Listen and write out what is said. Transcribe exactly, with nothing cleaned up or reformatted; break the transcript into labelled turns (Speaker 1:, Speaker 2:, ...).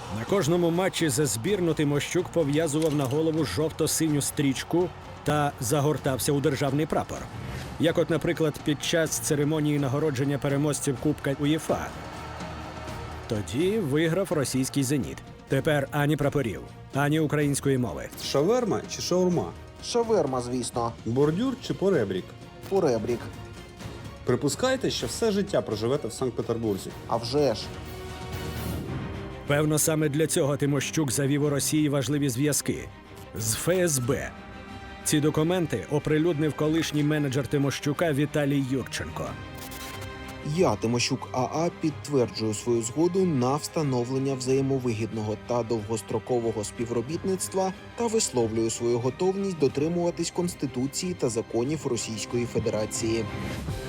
Speaker 1: На кожному матчі за збірну Тимощук пов'язував на голову жовто-синю стрічку та загортався у державний прапор. Як от, наприклад, під час церемонії нагородження переможців Кубка УЄФА. Тоді виграв російський «Зеніт». Тепер ані прапорів, ані української мови.
Speaker 2: Шаверма чи шаурма?
Speaker 3: Шаверма, звісно.
Speaker 2: Бордюр чи поребрік?
Speaker 3: Поребрік.
Speaker 2: Припускаєте, що все життя проживете в Санкт-Петербурзі?
Speaker 3: А вже ж.
Speaker 1: Певно, саме для цього Тимощук завів у Росії важливі зв'язки з Ф С Б. Ці документи оприлюднив колишній менеджер Тимощука Віталій Юрченко.
Speaker 3: Я, Тимощук А А, підтверджую свою згоду на встановлення взаємовигідного та довгострокового співробітництва та висловлюю свою готовність дотримуватись Конституції та законів Російської Федерації.